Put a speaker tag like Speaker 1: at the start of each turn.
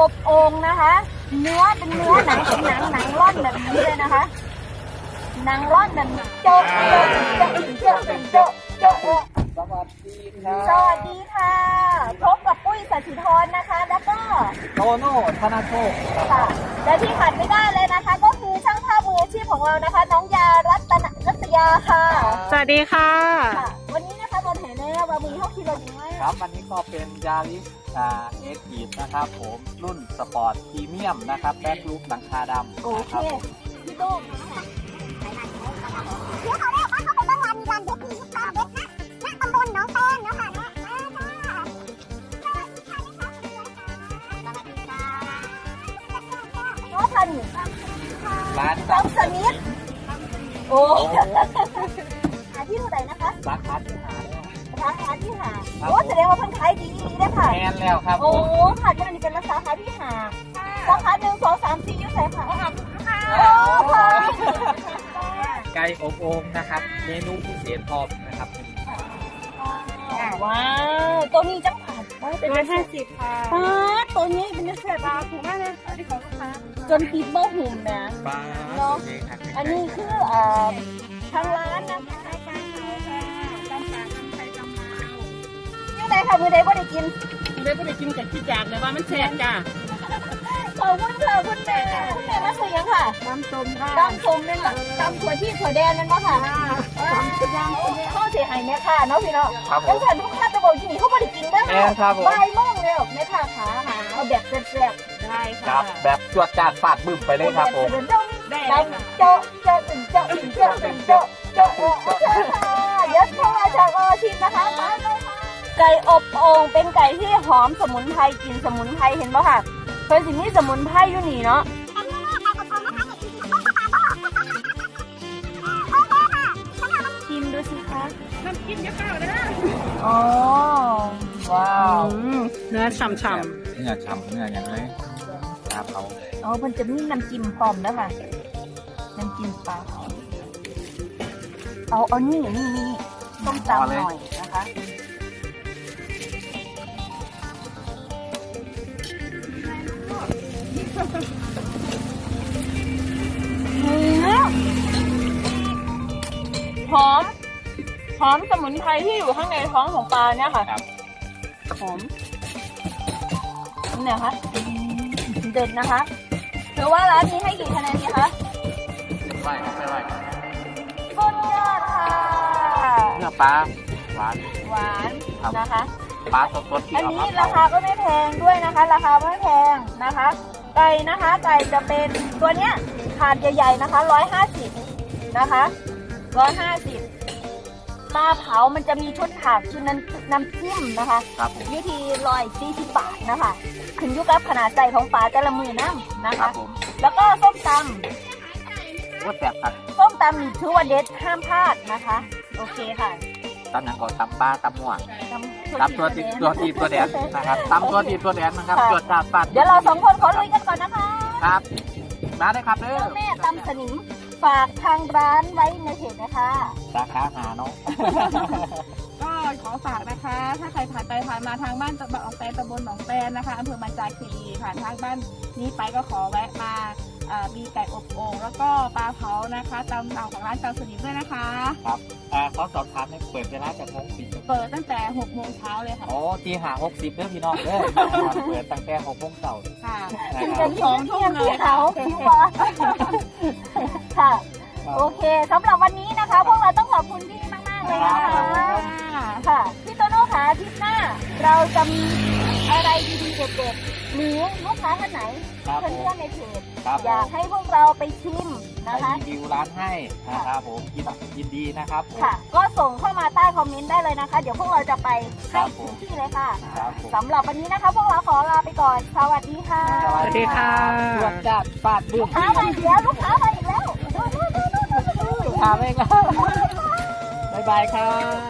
Speaker 1: อบโอ่งนะคะเนื้อเป็นเนื้อหนังเป็นหนังร่อนแบบนี้เลยนะคะหนังร่อนแบบโจ๊ะโจ๊ะโจ๊ะโจ๊ะโจ๊ะโจ๊ะ
Speaker 2: สวัสดีครับ
Speaker 1: สวัสดีค่ะพบกับปุ้ยสัชิธรนะคะ แล้วก็
Speaker 2: โตโน่ธนาโชค
Speaker 1: ค่ะและที่ขาดไม่ได้เลยนะคะ ก็คือช่างภาพมืออาชีพของเรานะคะ น้องยารัตยาค่ะ
Speaker 3: สวัสดีค่ะ
Speaker 1: ค่ะ วันนี้นะคะบนแห่แน่ว่ามีห้องที่เราดีไหม
Speaker 2: ครับวันนี้ก็เป็นยาริสเอ็กทีฟนะครับผมรุ่นสปอร์ตพรีเมียมนะครับแบ็คลุกหลังคาดำ
Speaker 1: โอ
Speaker 2: นะ
Speaker 1: เค
Speaker 2: ครับผม
Speaker 1: พี่ตุ้ม
Speaker 4: เดี๋ยวเขาเรียกว่าเขาเป็นบ้านวันมีการเด็กมีการเด็กนะณตำบลหนองแปงเนาะค่ะเนาะมาค่ะสวัสดีค่ะนะคะสวัสดีค่ะ
Speaker 1: น้องพันธุ์
Speaker 2: ร้าน
Speaker 1: น้องสมิธโอ้หาที่เท่าไหร่นะคะ
Speaker 2: สาขาที่หาแล้ว
Speaker 1: สาขาที่หาโอ้แสดงว่าเพิ่นขายดีได้ค่ะ
Speaker 2: แมนแล้วครับผ
Speaker 1: โอ้
Speaker 2: ม
Speaker 1: ค่ะจะมันเป็นสาขาที่หาสาขา1 2 3 4อยู่ไหนค่ะโอ้ค่ะ
Speaker 2: ไก่อบโอ่งนะครับเมนูพิเศษพร้อมนะครับ
Speaker 1: ว้าวตัวนี้จังผัดเป็น
Speaker 3: 150 ค่ะ
Speaker 1: ป้าตัวนี้เป็นเศษปลาถูกมากเลยอันนี้ของลูกค้าจนปิดเบอร์หุ่มนะ
Speaker 2: ปลา
Speaker 1: เนาะ
Speaker 2: เองครับ
Speaker 1: อันนี้คือทางร้านนะคะยังไงค่ะมือใดบ่ได้กิน
Speaker 3: ได้ไม่ได้กินกับขี้จากเลยว่ามันแสบจ้า
Speaker 1: ขอบคุณค่ะคุณแม่คุณแม่มาซื้อยังค่ะ
Speaker 3: น้ำส้มค่ะ
Speaker 1: ดำส้มเป็นดำถั่วที่ถั่วแดงนั่นป่ะค่ะเข้าเสียหายแม่ค่ะเนาะพี่เนาะ
Speaker 2: ครับผ
Speaker 1: แล้ว
Speaker 2: ม
Speaker 1: ฉันทุกท่านจะบอกที่นี่เขาไม่ได้กินได้
Speaker 2: แม่ครับผม
Speaker 1: บ่ายโมงเลยแม่ค่ะขาหาเอาแบบแซ่บ
Speaker 3: ได้
Speaker 2: ครั
Speaker 3: ค่ะ
Speaker 2: บแบบจวดจาดฟาดบึ้มไป
Speaker 1: ๆ
Speaker 2: เลยครับผม
Speaker 3: ได้
Speaker 1: ดำเจาะเจาะถึงเจาะถึงเจาะถึงเจาะเจาะเดี๋ยวเข้ามาจากชิมนะคะมาเลยค่ะไก่อบโอ่งเป็นไก่ที่หอมสมุนไพรกลิ่นสมุนไพรเห็นป่ะค่ะเป็นสิ่งที่สมุนไพรอยู่นี่เนาะชิมดูสิคะ
Speaker 3: น้ำจิ้มเยอะเปล่าเลยนะ
Speaker 1: อ๋อว้าว
Speaker 3: เนื้อฉ่ำ
Speaker 2: เนื้อฉ่ำเนื้ออย่างไรครับเขา
Speaker 1: อ๋อมันจะมีน้ำจิ้มพร้อมแล้วค่ะน้ำจิ้มปลาเอานี่ต้มตำหน่อยนะคะหอมสมุนไพรที่อยู่ข้างในท้องของปลาเนี่ยค่ะ
Speaker 2: ครับ
Speaker 1: หอมเนี่ยคะเด็ดนะคะถือว่าร้านนี้ให้กี่คะแนนดีคะ
Speaker 2: ไหวครับไม่ไหว
Speaker 1: สุดยอดค่ะ
Speaker 2: เนื้อปลาหวาน
Speaker 1: หวานนะคะ
Speaker 2: ปลาสดๆที่
Speaker 1: อัน
Speaker 2: เอา
Speaker 1: นี้
Speaker 2: มา
Speaker 1: ราคาก็ไม่แพงด้วยนะคะ ราคาไม่แพงนะคะ ไก่นะคะ ไก่จะเป็นตัวเนี้ยถาดใหญ่ๆนะคะ150นะคะ150ปลาเผามันจะมีชุดถาดชุดนั้นน้ำจิ้มนะคะ
Speaker 2: ครับผม
Speaker 1: อยู่ที่140 บาทนะคะ ขึ้นอยู่กับขนาดใจของปลาแต่ละมือน้ำนะ
Speaker 2: ครั
Speaker 1: คะ
Speaker 2: บผม
Speaker 1: แล้วก็ส้มต
Speaker 2: ว่าแสบครับ
Speaker 1: ำส้มตำนี่ถือว่าเด็ดห้ามพลาดนะคะ โอเคค่ะ
Speaker 2: ตำหนังก่อนตำปลาตำม่วง
Speaker 1: ตำ
Speaker 2: ตำตัวตีตัวแดนนะครับตำตัวตีตัวแดนนะครับจวดจาดฟาด
Speaker 1: เดี๋ยวเราสองคนขอลุยกันก่อนนะคะ
Speaker 2: ครับมาได้ครับเด้อ
Speaker 1: เจ้าแม่ตำสนิมฝากทางร้านไว้ในเพจนะคะ
Speaker 2: สาขาหาเนาะ
Speaker 3: ก็ขอฝากนะคะ ถ้าใครผ่านไปผ่านมาทางบ้านหนองแปนตำบลหนองแปนนะคะอำเภอมันจาคีรีผ่านทางบ้านนี้ไปก็ขอแวะมามีไก่อบโอ่งแล้วก็ปลาเผานะคะตำเอาของร้านเตาสนิมด้วยนะคะ
Speaker 2: ครับเขาสอบถามในเปิดเวลาจากโมงปิด
Speaker 3: เปิดตั้งแต่6 โมงเช้าเลยค่ะ
Speaker 2: โอ้ตีหา60เด้อพี่น้องเด้อเปิดตั้งแต่6 โมงเช้า
Speaker 3: ค่ะ
Speaker 2: นะ
Speaker 1: กิน
Speaker 2: ค
Speaker 1: กั
Speaker 2: รับ
Speaker 1: นสองทุ่มเลยเขาพี่ว่าค่ะ โอเคสำหรับวันนี้นะคะ พวกเราต้องขอบคุณพี่มากๆเลยนะคะค่ะพี่โตโน่ค่ะอาทิตย์หน้า เราจะมีอะไรดีๆเด็ดๆหรือลูกค้าท่านไหน
Speaker 2: ครับ
Speaker 1: เพื่
Speaker 2: ผม
Speaker 1: อนๆในเพจ
Speaker 2: ครับ
Speaker 1: อยากให้พวกเราไปชิม
Speaker 2: ไป
Speaker 1: นะคะ
Speaker 2: รีวิวร้านให้นะครับผมยินดีนะครับผม
Speaker 1: ค่ะ ก็ส่งเข้ามาใต้คอมเมนต์ได้เลยนะคะ เดี๋ยวพวกเราจะไป
Speaker 2: ครั
Speaker 1: ให้
Speaker 2: บผม
Speaker 1: ถึงที่เลยค่ะ
Speaker 2: ครับผม
Speaker 1: สำหรับวันนี้นะคะ พวกเราขอลาไปก่อน สวัสดีค่ะ
Speaker 3: สวัสดีค่ะ
Speaker 2: จวดจาดฟาดบึ้
Speaker 1: ลู
Speaker 2: ม
Speaker 1: กค้ามาอีกแล้วลูกค้ามาอีกแล้ว
Speaker 2: ลูกค้าไม่ครับบ๊ายบายครับ